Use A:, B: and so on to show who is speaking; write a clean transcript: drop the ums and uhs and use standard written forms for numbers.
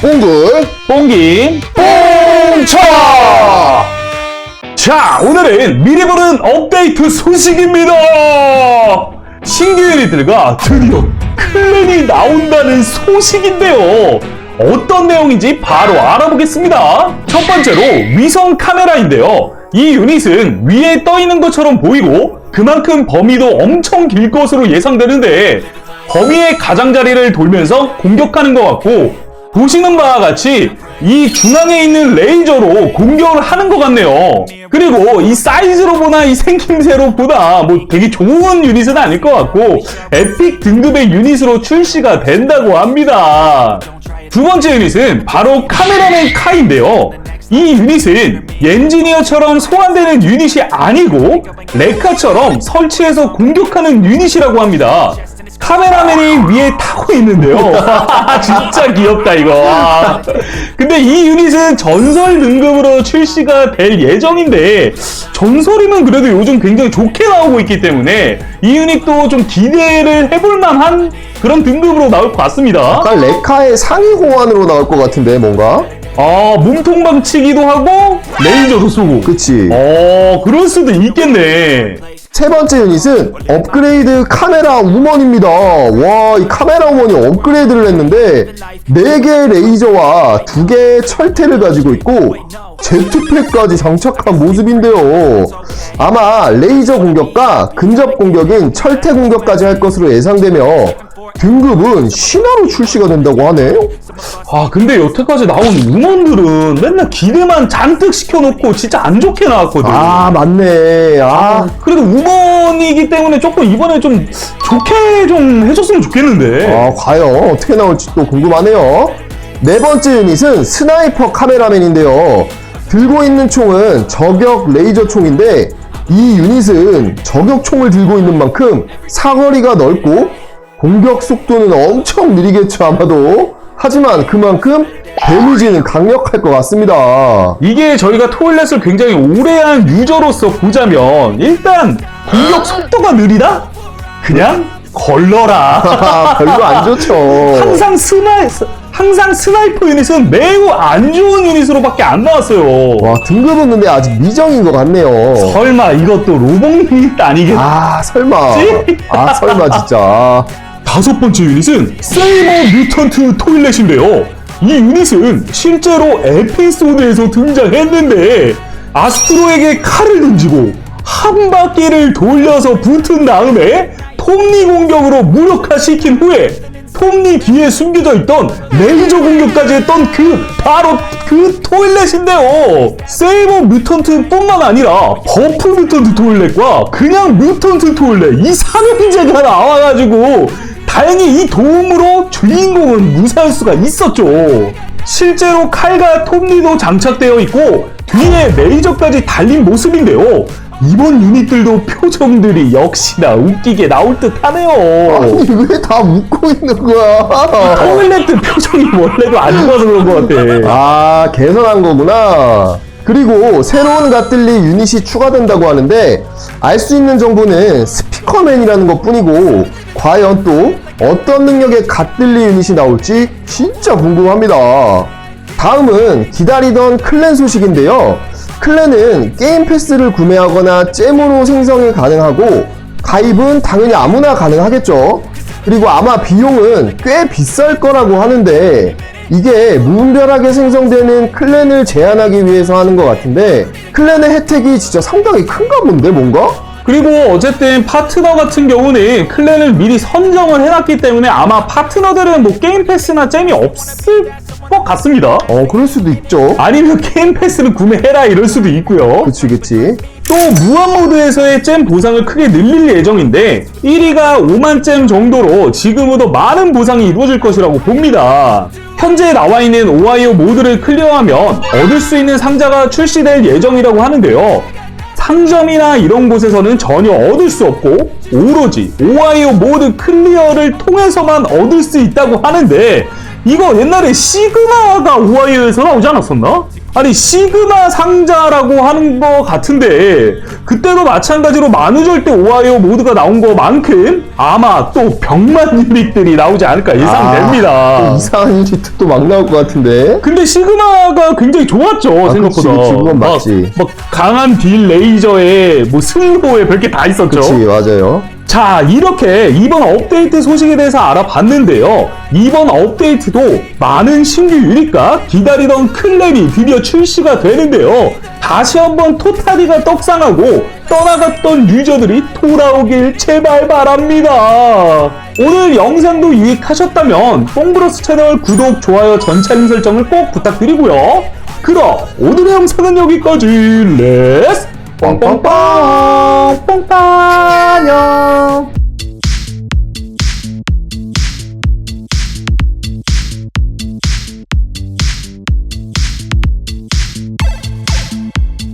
A: 뽕글
B: 뽕김 뽕쳐! 자, 오늘은 미리 보는 업데이트 소식입니다. 신규 유닛들과 드디어 클랜이 나온다는 소식인데요. 어떤 내용인지 바로 알아보겠습니다. 첫 번째로 위성 카메라인데요. 이 유닛은 위에 떠 있는 것처럼 보이고 그만큼 범위도 엄청 길 것으로 예상되는데 범위의 가장자리를 돌면서 공격하는 것 같고 보시는 바와 같이 이 중앙에 있는 레이저로 공격을 하는 것 같네요. 그리고 이 사이즈로 보나 이 생김새로 보나 뭐 되게 좋은 유닛은 아닐 것 같고 에픽 등급의 유닛으로 출시가 된다고 합니다. 두 번째 유닛은 바로 카메라맨 카인데요. 이 유닛은 엔지니어처럼 소환되는 유닛이 아니고 레카처럼 설치해서 공격하는 유닛이라고 합니다. 카메라맨이 위에 타고 있는데요. 진짜 귀엽다 이거. 근데 이 유닛은 전설 등급으로 출시가 될 예정인데 전설이면 그래도 요즘 굉장히 좋게 나오고 있기 때문에 이 유닛도 좀 기대를 해볼 만한 그런 등급으로 나올 것 같습니다.
A: 약간 레카의 상위 호환으로 나올 것 같은데 뭔가?
B: 몸통 방치기도 하고 레이저도 쏘고.
A: 그치.
B: 그럴 수도 있겠네.
A: 세 번째 유닛은 업그레이드 카메라 우먼입니다. 와, 이 카메라 우먼이 업그레이드를 했는데 4개의 레이저와 2개의 철퇴를 가지고 있고 제트팩까지 장착한 모습인데요. 아마 레이저 공격과 근접 공격인 철퇴 공격까지 할 것으로 예상되며 등급은 신화로 출시가 된다고 하네요.
B: 근데 여태까지 나온 음원들은 맨날 기대만 잔뜩 시켜놓고 진짜 안 좋게 나왔거든.
A: 맞네.
B: 그래도 음원이기 때문에 조금 이번에 좀 좋게 좀 해줬으면 좋겠는데.
A: 과연 어떻게 나올지 또 궁금하네요. 네 번째 유닛은 스나이퍼 카메라맨인데요. 들고 있는 총은 저격 레이저 총인데 이 유닛은 저격 총을 들고 있는 만큼 사거리가 넓고 공격 속도는 엄청 느리겠죠 아마도. 하지만 그만큼 데미지는 강력할 것 같습니다.
B: 이게 저희가 토일렛을 굉장히 오래한 유저로서 보자면 일단 공격 속도가 느리다? 그냥 걸러라.
A: 별로 안 좋죠.
B: 항상 스나이퍼 유닛은 매우 안 좋은 유닛으로밖에 안 나왔어요.
A: 와, 등급은 근데 아직 미정인 것 같네요.
B: 설마 이것도 로봇 유닛 아니겠지?
A: 설마. 설마 진짜.
B: 다섯 번째 유닛은 세이버 뮤턴트 토일렛인데요. 이 유닛은 실제로 에피소드에서 등장했는데 아스트로에게 칼을 던지고 한 바퀴를 돌려서 붙은 다음에 톱니 공격으로 무력화시킨 후에 톱니 뒤에 숨겨져 있던 레이저 공격까지 했던 바로 그 토일렛인데요. 세이버 뮤턴트 뿐만 아니라 버프 뮤턴트 토일렛과 그냥 뮤턴트 토일렛 이 삼형제가 나와가지고 다행히 이 도움으로 주인공은 무사할 수가 있었죠. 실제로 칼과 톱니도 장착되어 있고 뒤에 레이저까지 달린 모습인데요. 이번 유닛들도 표정들이 역시나 웃기게 나올 듯 하네요.
A: 아니, 왜 다 웃고 있는 거야?
B: 토일렛 표정이 원래도 안 좋아서 그런 것 같아.
A: 개선한 거구나. 그리고 새로운 갓들리 유닛이 추가된다고 하는데 알 수 있는 정보는 스피커맨이라는 것 뿐이고 과연 또 어떤 능력의 갓들리 유닛이 나올지 진짜 궁금합니다. 다음은 기다리던 클랜 소식인데요. 클랜은 게임 패스를 구매하거나 잼으로 생성이 가능하고 가입은 당연히 아무나 가능하겠죠. 그리고 아마 비용은 꽤 비쌀 거라고 하는데 이게 무분별하게 생성되는 클랜을 제한하기 위해서 하는 것 같은데 클랜의 혜택이 진짜 상당히 큰가 본데 뭔가?
B: 그리고 어쨌든 파트너 같은 경우는 클랜을 미리 선정을 해놨기 때문에 아마 파트너들은 뭐 게임 패스나 잼이 없을 것 같습니다.
A: 그럴 수도 있죠.
B: 아니면 게임 패스를 구매해라 이럴 수도 있고요.
A: 그치.
B: 또 무한 모드에서의 잼 보상을 크게 늘릴 예정인데 1위가 5만 잼 정도로 지금보다 많은 보상이 이루어질 것이라고 봅니다. 현재 나와 있는 오하이오 모드를 클리어하면 얻을 수 있는 상자가 출시될 예정이라고 하는데요. 상점이나 이런 곳에서는 전혀 얻을 수 없고 오로지 오하이오 모드 클리어를 통해서만 얻을 수 있다고 하는데 이거 옛날에 시그마가 오하이오에서 나오지 않았었나? 아니 시그마 상자라고 하는 거 같은데 그때도 마찬가지로 만우절대 오하이오 모드가 나온 거만큼 아마 또 병만 유닛들이 나오지 않을까 예상됩니다.
A: 또 이상한 유닛 또 막 나올 것 같은데.
B: 근데 시그마가 굉장히 좋았죠 생각보다.
A: 그치, 그건 맞지.
B: 막 강한 딜 레이저에 뭐 승부에 별게 다 있었죠.
A: 그치, 맞아요.
B: 자, 이렇게 이번 업데이트 소식에 대해서 알아봤는데요. 이번 업데이트도 많은 신규 유닛과 기다리던 클랜이 드디어 출시가 되는데요. 다시 한번 토타리가 떡상하고 떠나갔던 유저들이 돌아오길 제발 바랍니다. 오늘 영상도 유익하셨다면 뽕브로스 채널 구독, 좋아요, 전체 알림 설정을 꼭 부탁드리고요. 그럼 오늘의 영상은 여기까지. 렛츠 뻥뻥뻥 뻥빵 안녕.